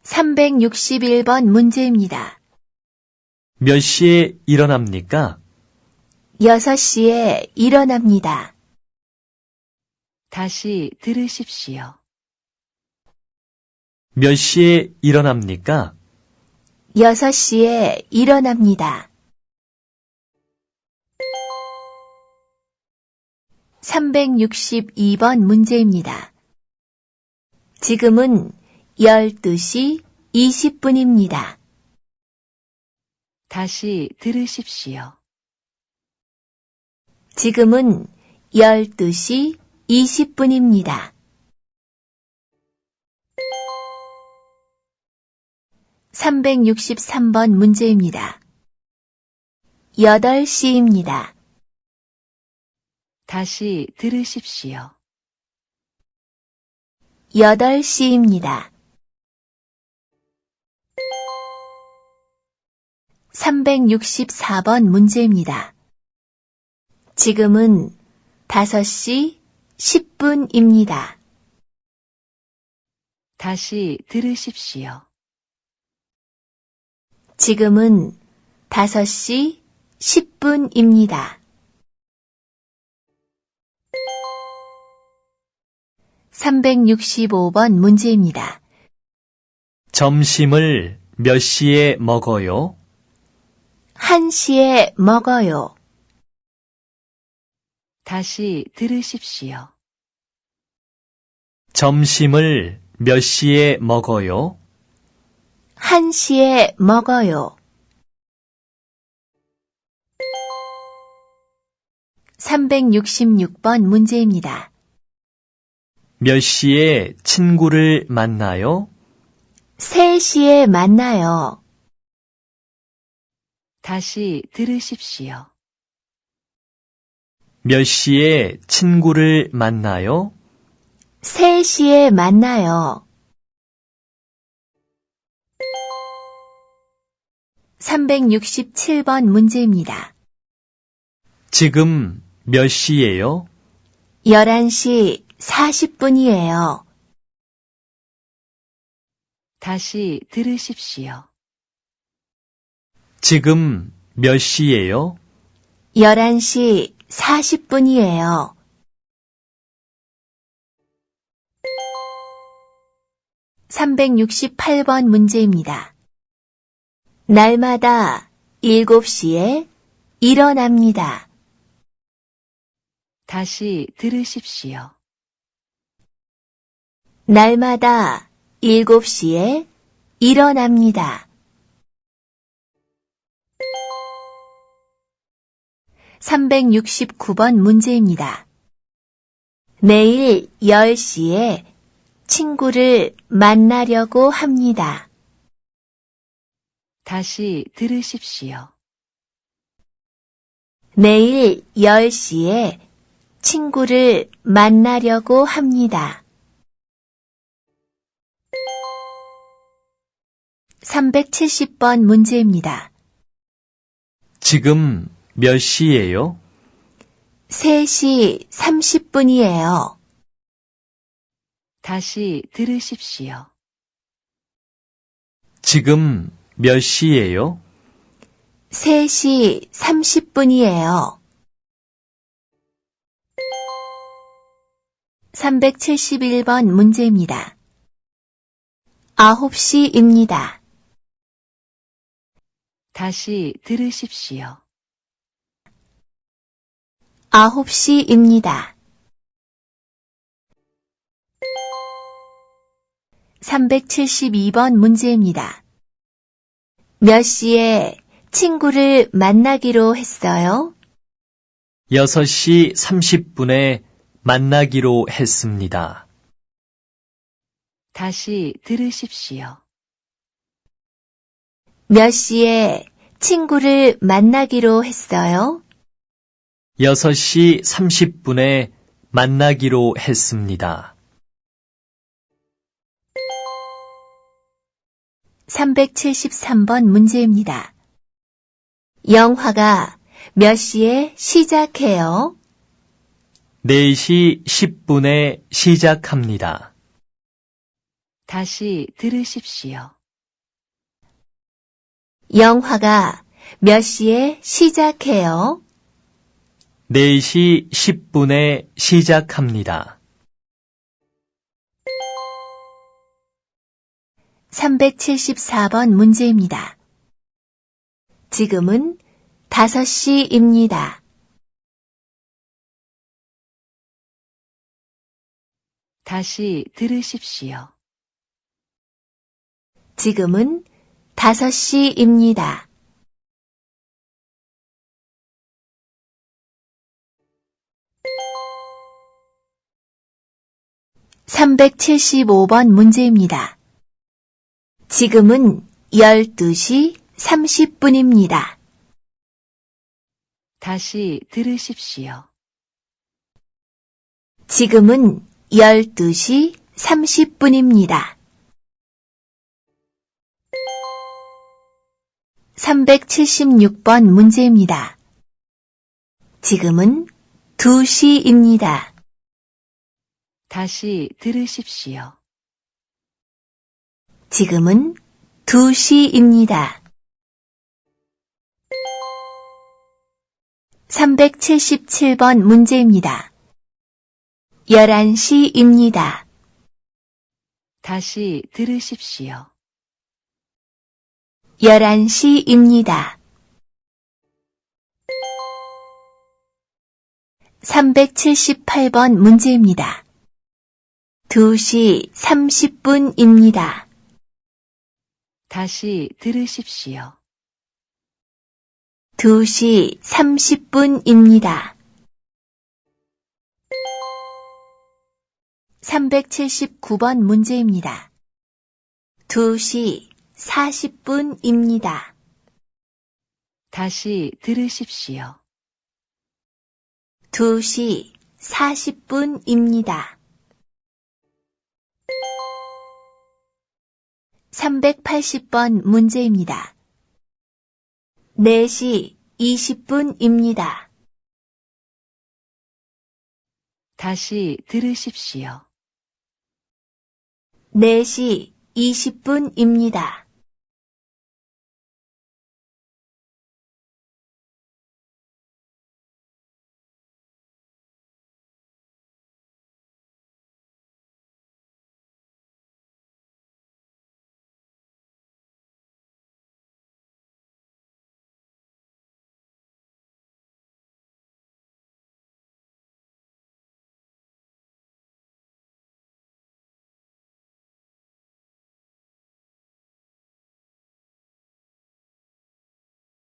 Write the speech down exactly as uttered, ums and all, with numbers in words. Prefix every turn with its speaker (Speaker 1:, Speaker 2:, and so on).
Speaker 1: 삼백육십일 번 문제입니다.
Speaker 2: 몇 시에 일어납니까?
Speaker 1: 여섯 시에 일어납니다.
Speaker 3: 다시 들으십시오.
Speaker 2: 몇 시에 일어납니까?
Speaker 1: 여섯 시에 일어납니다. 삼백육십이 번 문제입니다. 지금은 열두 시 이십 분입니다.
Speaker 3: 다시 들으십시오.
Speaker 1: 지금은 열두 시 이십 분입니다. 삼백육십삼 번 문제입니다. 여덟 시입니다.
Speaker 3: 다시 들으십시오.
Speaker 1: 여덟 시입니다. 삼백육십사 번 문제입니다. 지금은 다섯 시 십 분입니다.
Speaker 3: 다시 들으십시오.
Speaker 1: 지금은 다섯 시 십 분입니다. 삼백육십오 번 문제입니다.
Speaker 2: 점심을 몇 시에 먹어요?
Speaker 1: 한 시에 먹어요.
Speaker 3: 다시 들으십시오.
Speaker 2: 점심을 몇 시에 먹어요?
Speaker 1: 한 시에 먹어요. 삼백육십육 번 문제입니다.
Speaker 2: 몇 시에 친구를 만나요?
Speaker 1: 세 시에 만나요.
Speaker 3: 다시 들으십시오.
Speaker 2: 몇 시에 친구를 만나요?
Speaker 1: 세 시에 만나요. 삼백육십칠 번 문제입니다.
Speaker 2: 지금 몇 시예요?
Speaker 1: 열한 시 사십 분이에요.
Speaker 3: 다시 들으십시오.
Speaker 2: 지금 몇 시예요?
Speaker 1: 열한 시 사십 분이에요. 삼백육십팔 번 문제입니다. 날마다 일곱 시에 일어납니다.
Speaker 3: 다시 들으십시오.
Speaker 1: 날마다 일곱 시에 일어납니다. 삼백육십구 번 문제입니다. 내일 열 시에 친구를 만나려고 합니다.
Speaker 3: 다시 들으십시오.
Speaker 1: 내일 열 시에 친구를 만나려고 합니다. 삼백칠십 번 문제입니다.
Speaker 2: 지금 몇 시예요?
Speaker 1: 세 시 삼십 분이에요.
Speaker 3: 다시 들으십시오.
Speaker 2: 지금 몇 시예요?
Speaker 1: 세 시 삼십 분이에요. 삼백칠십일 번 문제입니다. 아홉 시입니다.
Speaker 3: 다시 들으십시오.
Speaker 1: 아홉 시입니다. 삼백칠십이 번 문제입니다. 몇 시에 친구를 만나기로 했어요?
Speaker 2: 여섯 시 삼십 분에 만나기로 했습니다.
Speaker 3: 다시 들으십시오.
Speaker 1: 몇 시에 친구를 만나기로 했어요?
Speaker 2: 여섯 시 삼십 분에 만나기로 했습니다.
Speaker 1: 삼백칠십삼 번 문제입니다. 영화가 몇 시에 시작해요?
Speaker 2: 네 시 십 분에 시작합니다.
Speaker 3: 다시 들으십시오.
Speaker 1: 영화가 몇 시에 시작해요?
Speaker 2: 네 시 십 분에 시작합니다.
Speaker 1: 삼백칠십사 번 문제입니다. 지금은 다섯 시입니다.
Speaker 3: 다시 들으십시오.
Speaker 1: 지금은 다섯 시입니다. 삼백칠십오 번 문제입니다. 지금은 열두 시 삼십 분입니다.
Speaker 3: 다시 들으십시오.
Speaker 1: 지금은 열두 시 삼십 분입니다. 삼백칠십육 번 문제입니다. 지금은 두 시입니다.
Speaker 3: 다시 들으십시오.
Speaker 1: 지금은 두 시입니다. 삼백칠십칠 번 문제입니다. 열한 시입니다.
Speaker 3: 다시 들으십시오.
Speaker 1: 열한 시입니다. 삼백칠십팔 번 문제입니다. 두 시 삼십 분입니다.
Speaker 3: 다시 들으십시오.
Speaker 1: 두 시 삼십 분입니다. 삼백칠십구 번 문제입니다. 두 시 사십 분입니다.
Speaker 3: 다시 들으십시오.
Speaker 1: 두 시 사십 분입니다. 삼백팔십 번 문제입니다. 네 시 이십 분입니다.
Speaker 3: 다시 들으십시오.
Speaker 1: 네 시 이십 분입니다.